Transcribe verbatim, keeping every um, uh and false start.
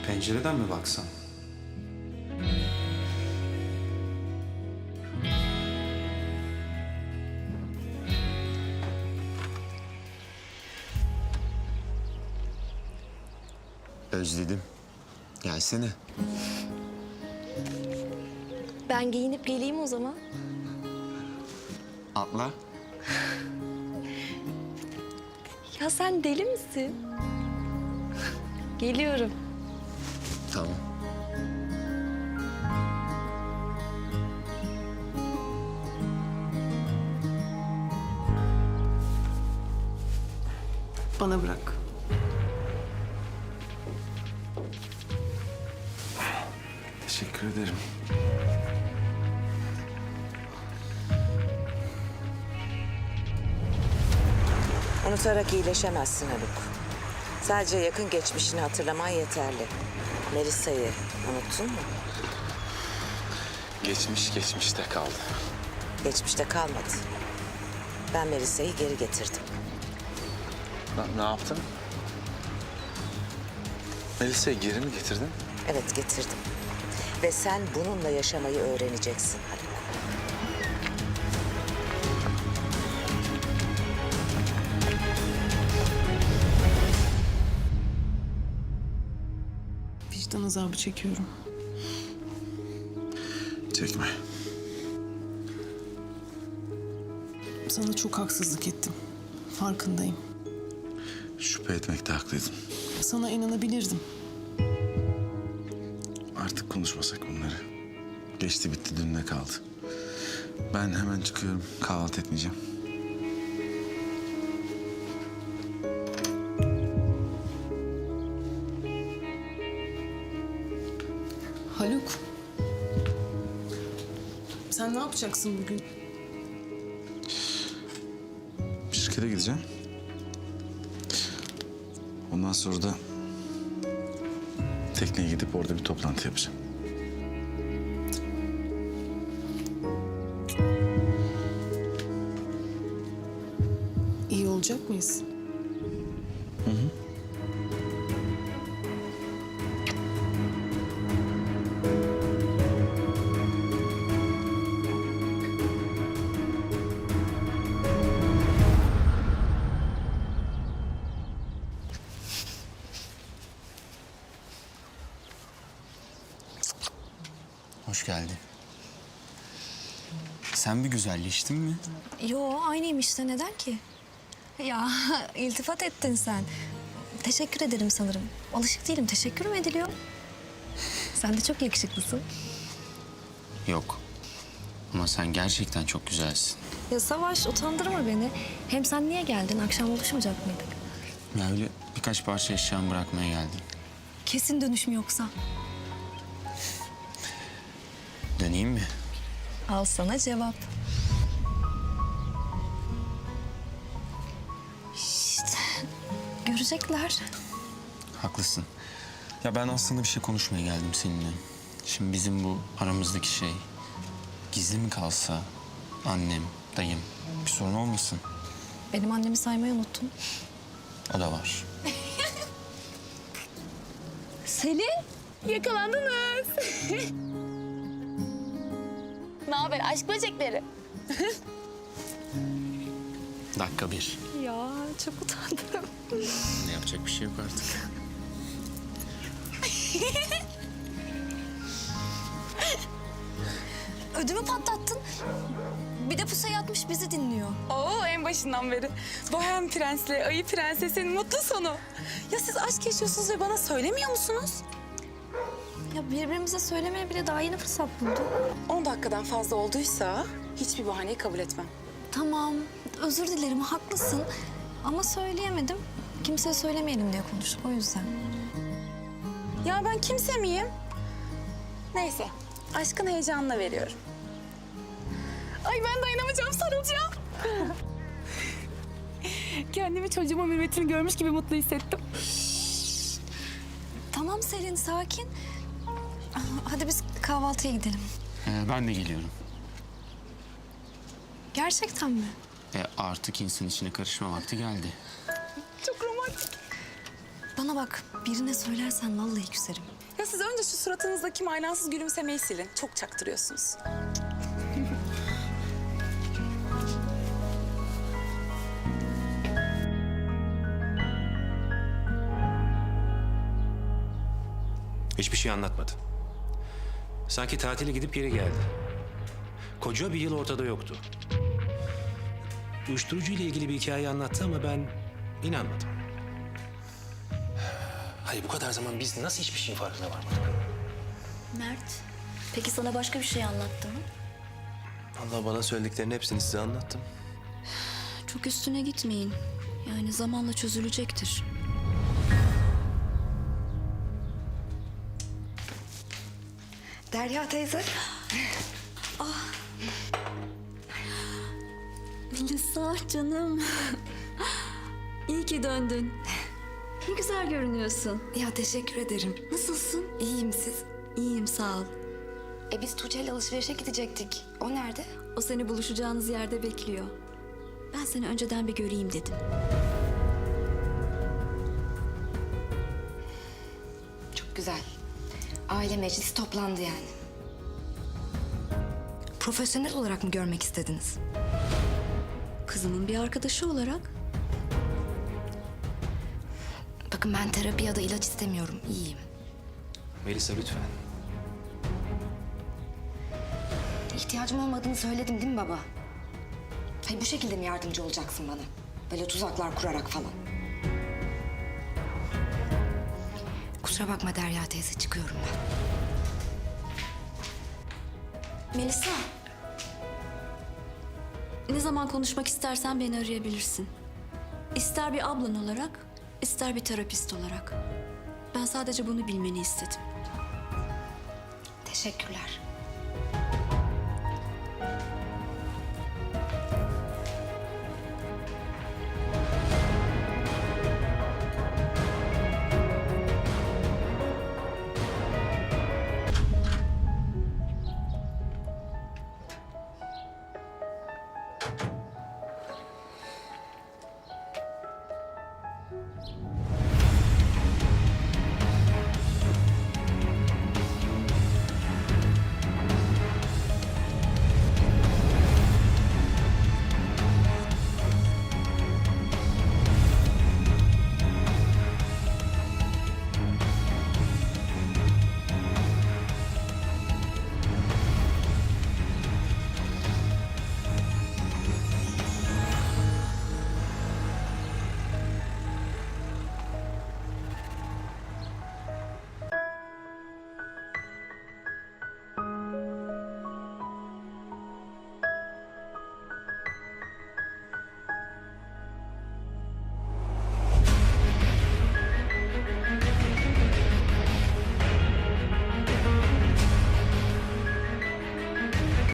Pencereden mi baksan? Özledim. Gelsene. Ben giyinip geleyim o zaman. Atla. Ya sen deli misin? Geliyorum. Tamam. Bana bırak. Teşekkür ederim. Unutarak iyileşemezsin Haluk. Sadece yakın geçmişini hatırlaman yeterli. Melisa'yı unuttun mu? Geçmiş geçmişte kaldı. Geçmişte kalmadı. Ben Melisa'yı geri getirdim. Ne, ne yaptın? Melisa'yı geri mi getirdin? Evet, getirdim. Ve sen bununla yaşamayı öğreneceksin Haluk. Vicdan azabı çekiyorum. Çekme. Sana çok haksızlık ettim. Farkındayım. Şüphe etmekte haklıydın. Sana inanabilirdim. Artık konuşmasak bunları. Geçti bitti, dün ne kaldı? Ben hemen çıkıyorum. Kahvaltı etmeyeceğim. Haluk. Sen ne yapacaksın bugün? Şirkete gideceğim. Ondan sonra da tekneye gidip orada bir toplantı yapacağım. İyi olacak mıyız? Hoş geldin. Sen bir güzelleştin mi? Yo, aynıyım işte. Neden ki? Ya iltifat ettin sen. Teşekkür ederim sanırım. Alışık değilim. Teşekkür mü ediliyor? Sen de çok yakışıklısın. Yok. Ama sen gerçekten çok güzelsin. Ya Savaş, utandırma beni. Hem sen niye geldin? Akşam buluşmayacak mıydık? Ya öyle birkaç parça eşyamı bırakmaya geldim. Kesin dönüş mü yoksa? Döneyim mi? Al sana cevap. İşte görecekler. Haklısın. Ya ben aslında bir şey konuşmaya geldim seninle. Şimdi bizim bu aramızdaki şey gizli mi kalsa, annem, dayım bir sorun olmasın. Benim annemi saymayı unuttun. O da var. Selin, yakalandınız. Ne haber aşk böcekleri? Dakika bir. Ya çok utandım. Ne yapacak bir şey yok artık. Ödümü patlattın. Bir de pusuya yatmış bizi dinliyor. Oo en başından beri. Bohem Prens'le Ayı Prenses'in mutlu sonu. Ya siz aşk yaşıyorsunuz ve bana söylemiyor musunuz? Ya birbirimize söylemeye bile daha yeni fırsat bulduk. On dakikadan fazla olduysa hiçbir bahaneyi kabul etmem. Tamam, özür dilerim, haklısın. Ama söyleyemedim. Kimseye söylemeyelim diye konuştuk, o yüzden. Ya ben kimse miyim? Neyse, aşkın heyecanına veriyorum. Ay ben dayanamayacağım, sarılacağım. Kendimi çocuğumun mürüvvetini görmüş gibi mutlu hissettim. Tamam Selin, sakin. Hadi biz kahvaltıya gidelim. Ee, ben de geliyorum. Gerçekten mi? E artık insan içine karışma vakti geldi. Çok romantik. Bana bak, birine söylersen vallahi küserim. Ya siz önce şu suratınızdaki manasız gülümsemeyi silin. Çok çaktırıyorsunuz. Hiçbir şey anlatmadı. Sanki tatile gidip geri geldi. Koca bir yıl ortada yoktu. Uyuşturucu ile ilgili bir hikaye anlattı ama ben inanmadım. Hayır, bu kadar zaman biz nasıl hiçbir şeyin farkına varmadık? Mert, peki sana başka bir şey anlattı mı? Allah, bana söylediklerinin hepsini size anlattım. Çok üstüne gitmeyin. Yani zamanla çözülecektir. Derya teyze. Melisa canım. İyi ki döndün. Ne güzel görünüyorsun. Ya teşekkür ederim. Nasılsın? İyiyim siz. İyiyim sağ ol. E biz Tuğçe ile alışverişe gidecektik. O nerede? O seni buluşacağınız yerde bekliyor. Ben seni önceden bir göreyim dedim. Çok güzel. Aile meclisi toplandı yani. Profesyonel olarak mı görmek istediniz? Kızımın bir arkadaşı olarak. Bakın ben terapi ya da ilaç istemiyorum. İyiyim. Melisa, lütfen. İhtiyacım olmadığını söyledim değil mi baba? Hayır, bu şekilde mi yardımcı olacaksın bana? Böyle tuzaklar kurarak falan. Kusura bakma Derya teyze, çıkıyorum ben. Melisa. Ne zaman konuşmak istersen beni arayabilirsin. İster bir ablan olarak, ister bir terapist olarak. Ben sadece bunu bilmeni istedim. Teşekkürler.